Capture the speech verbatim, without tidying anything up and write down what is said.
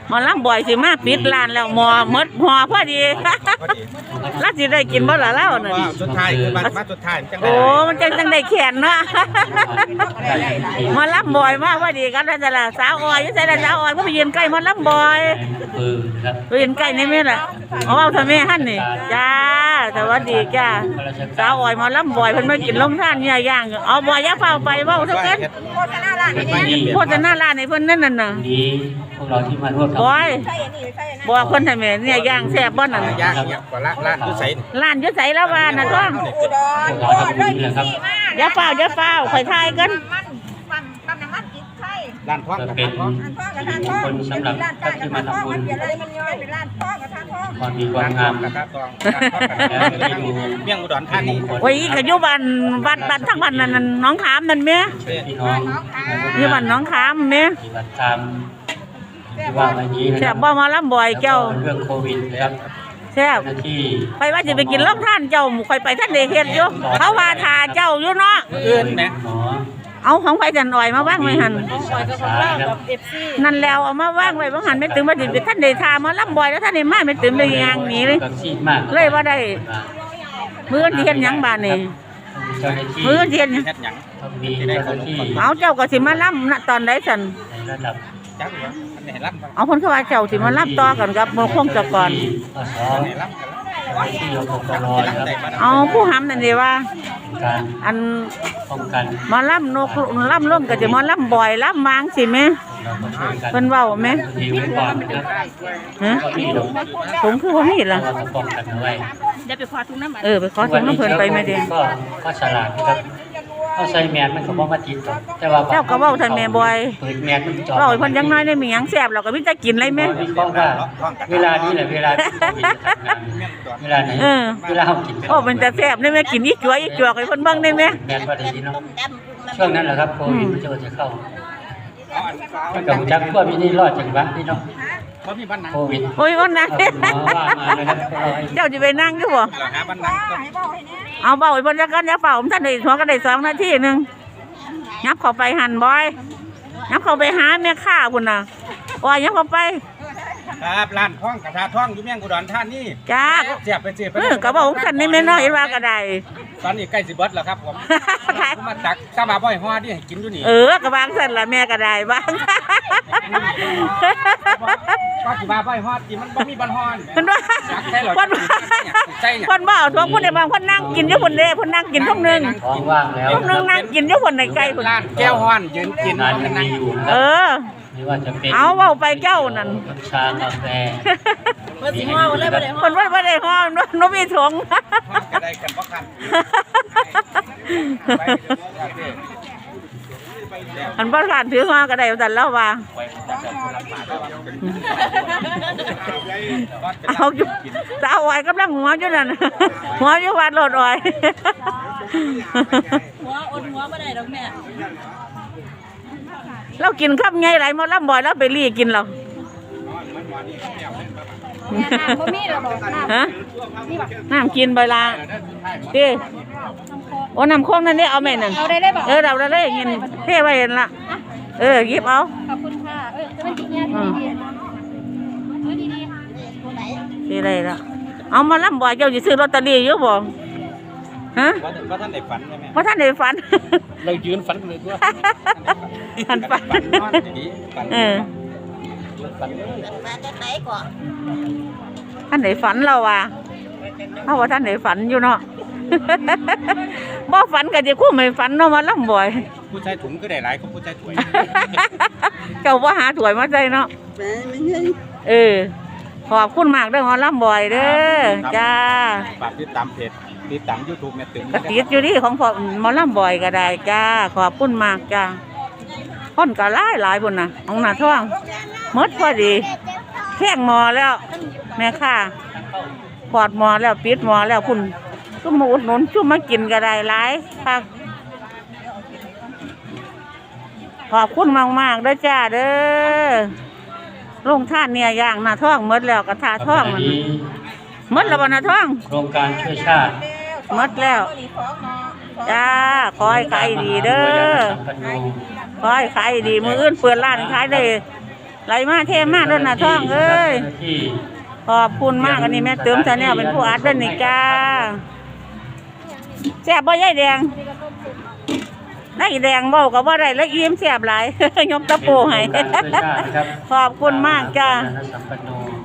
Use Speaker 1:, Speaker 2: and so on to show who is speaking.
Speaker 1: หมอลำบ่อยสิมาปิดร้านแล้วหมอหมดหอพอดีแล้วสิได้กินบ่ล่ะแล้วน่ะ
Speaker 2: สุดท้ายคือมาสุดท้ายจังได๋
Speaker 1: โอ้มันจังจังได้แขนเนาะหมอลำบ่อยมากพอดีกันแล้วจ้ะล่ะสาวอ้อยอยู่ไสล่ะสาวอ้อยบ่ไปยืนใกล้หมอลำบ่อยไปยืนใกล้นี่แม่ล่ะเอาเอาทำแม่หั่นนี่จ้าสวัสดีจ้าสาวอ้อยหมอลำบ่อยเพิ่นมากินลงทานเนี่ยย่างเอาบ่อย่าเฝ้าไปเว้าเท่ากันโฆษณาร้านนี่โฆษณาร้านให้เพิ่นนั่นน่ะ
Speaker 3: พวกเราที่มาร่วม
Speaker 1: บ่อยบ่เพิ่นให้แม่เนี่ยย่างแซ่บบ่นั่น
Speaker 2: ย่างเนี่ยกว่าร้านอยู่ไส
Speaker 1: ร้านอยู่ไสแล้วว่าน่ะท้องอย่าเฝ้าอย่าเฝ้าค่อยทายกัน
Speaker 2: ร้านท้องกับ
Speaker 3: เป็นคนสำหรับท่านที่มาทำบุญความดีความงาม
Speaker 2: กับท่าทองเมี่ยงอุดรธานี
Speaker 1: โอ้ยก็อยู่บ้านบ้านบ้านทั้งบ้านนั่นน้องขามนั่นแม่
Speaker 3: พี่น้อง
Speaker 1: อยู่บ้านน้องขามแม่
Speaker 3: ที่วัดตามที่ว่าวันนี้นะ
Speaker 1: แซ่บบ่มาลำบ่อยเจ้า
Speaker 3: เรื่องโควิดนะครับ
Speaker 1: แซ่บไปว่าจะไปกินล่องท่านเจ้าค่อยไปท่านได้เฮ็ดอยู่เขาว่าทาเจ้าอยู่เนาะ
Speaker 2: อื่นแหม
Speaker 1: เอาของไผจันอ่อยมาว่างไว้หั่นนั่นแล้วเอามาว่างไว้บ่หันไม่ถึงว่าสิไปท่านได้ทามาลำบ่อยแล้วท่านได้มาไม่ถึงได้ยางหนีเลยเลยว่าได้มื้อที่เฮ็ดหยังบาดนี่มื้อที่เฮ็ดหยังเอาเจ้าก็สิมาลำณตอนใดซั่นเอาเพิ่นคือว่าเจ้าสิมาลำต่อกันกับบ่คงจะก่อนเอาผู้หำนั่นดีว่าอันมาล่ำนกล่ำล่มก็จะมาล่ำบ่อยล่ำมางสิแม่เป็นเว้าไหมฮะถุงคือว่ามีเหรอเดี๋ยวไปขอถุงน้ำเออไปขอถุงน้ำเพลินไปไม่ได้
Speaker 3: ก็ก็ฉลาดครับเขาใส่แมสมันก็บ่มาติดแต่ว่า
Speaker 1: เจ้าก็เว้าท่านแม่บ่อย
Speaker 3: เปิดแมสมันจอด
Speaker 1: เว้าเพิ่นยังน้อยได้มีหยังแซ่บเราก็มีแต่กินเลยแม่
Speaker 3: เพราะว่าเวลานี้แหละเวลาเวลาไหนเวลาเฮากิน
Speaker 1: โอ้มันจะแซ่บได้แม่กินอีจั่วอีจั่วให้เพิ่นเบิ่งได้แม่
Speaker 3: แม่นบ่ได้ยินเนาะช่วงนั้นแหละครับโควิดมันจะจะเข้ามันก็จักพวกมีนี่รอดจังวะพี่น้อง
Speaker 2: บ่มีบ้านนั่ง
Speaker 3: โควิด
Speaker 1: โอ้ยบ้านนั่งเจ้าจะไปนั่งอยู่บ่
Speaker 2: หาบ้านนั่ง
Speaker 1: เอาเบาอีกบนจักรยานเฝ้าผมท่านได้หัวก็ได้สองนาทีหนึ่งยับเข้าไปหันบ่อยยับเข้าไปหาแม่ข้าคุณน่ะว่ายับเข้าไป
Speaker 2: ครับร้านท้องกระทาท้องอยู่เมี่ยงอุดรธานี
Speaker 1: จ้า
Speaker 2: เสียบไปเสียบไป
Speaker 1: เออกระบอกผมท่านนี่ไม่น้อยว่าก็ได้
Speaker 2: ตอนนี้ใกล้สิเบิดแล้วครับผมมาตักตาบาบ่อยห่อที่ให้กินอยู่นี่
Speaker 1: เออกระบางสั่นละแม่ก็ได้บ้าง
Speaker 2: ก็สิบาบ่อยห่อที่มันบ่มีบันห่อน
Speaker 1: คนว่าคนคนบ่เอาทั่วคนในบางคนนั่งกินอยู่คนเด้คนนั่งกินทุกนึง
Speaker 3: ท้องว่างแล้ว
Speaker 1: ทุกนึงนั่งกินอยู่คนในไกลคน
Speaker 2: ร้านแก้วห่อนยืนกิน
Speaker 3: นานนั่งอยู่
Speaker 1: เออเอาเบาไปเจ้านั่น
Speaker 3: ชากาแฟ
Speaker 1: คนสิห่อคนเลยบ่ได้ห่อคนว่าบ่ได้ห่อโนมีถุง
Speaker 2: ได้กันบ่คัน
Speaker 1: อันบ่คันถือห่อก็ได้แต่แล้วว่าเอาอยู่สาวอ้อยกำลังหัวอยู่นั่นหัวอยู่วัดโลดอ้อย
Speaker 4: หัวอดหัวบ่ได้ดอกแม่
Speaker 1: เรากินข้าวไงไรมอลำบ่อยแล้วไปรีกินเรา
Speaker 4: บ่มีแล้วบ่
Speaker 1: ฮะน้ำกินใบลาดิโอ้น้ำโค้งนั่นนี่เอาแม่นั่น
Speaker 4: เอาได้ได้บ่
Speaker 1: เออเราได้เลยเงินเท่ไว้เห็นละเออหยิบเอา
Speaker 4: ขอบคุณค่ะเออมันกินยาดีๆเออดีๆตัวไหน
Speaker 1: ดีเลยละเอามาลำบ่อยเจ้าจะซื้อลอตเตอรี่เยอะบ่ฮะ
Speaker 2: ว่าท่านได้ฝันใช่ไหม
Speaker 1: ว่าท่านได้ฝัน
Speaker 2: เรายืนฝันเลยด้วย
Speaker 1: ท่านฝันเออท่านได้ฝันเราว่ะเพราะว่าท่านได้ฝันอยู่เนาะบ่ฝันก็จะคู่ไม่ฝันเนาะมาลำบ่อย
Speaker 2: ผู้ชายถุงก็ได้หลายของผู้ชายถวย
Speaker 1: เจ้าว่าหาถวยมาใจเนาะเออขอบคุณมากเด้อมาลำบ่อยเด้อจ้า
Speaker 2: ฝากติดตามเพจติดตามยูทูบแม่ตึง
Speaker 1: กระติดอยู่นี่ของพอมอลำบ่อยก็ได้จ้าขอบคุณมากจ้าคนก็หลายหลายบุญนะของหน้าท้องมดพอดีแข้งหมอแล้วแม่ค่ะปอดหมอแล้วปิดหมอแล้วคุณชุ่มมาอุดหนุนชุ่มมากินก็ได้หลายค่ะขอบคุณมากมากเด้อจ้าเด้อลงท่านเนี่ยย่างหน้าท้องมดแล้วกระทาท้องมันมดแล้วบนหน้าท้อง
Speaker 3: โครงการช่วยชาติ
Speaker 1: มดแล้วจ้าคอยขายดีเด้อคอยขายดีมืออื่นเปิดร้านขายได้ไหลมาเทมาด้วยนะท่องเอ้ยขอบคุณมากอันนี้แม่เติมชาแนลเป็นผู้อัดด้วยนี่จ้าแซ่บบ่ยายแดงนายแดงเว้าก็บ่ได้แล้วอิ่มแซ่บหลาย ยกตะปูให้ ขอบคุณมากจ้า
Speaker 3: สัมปันโน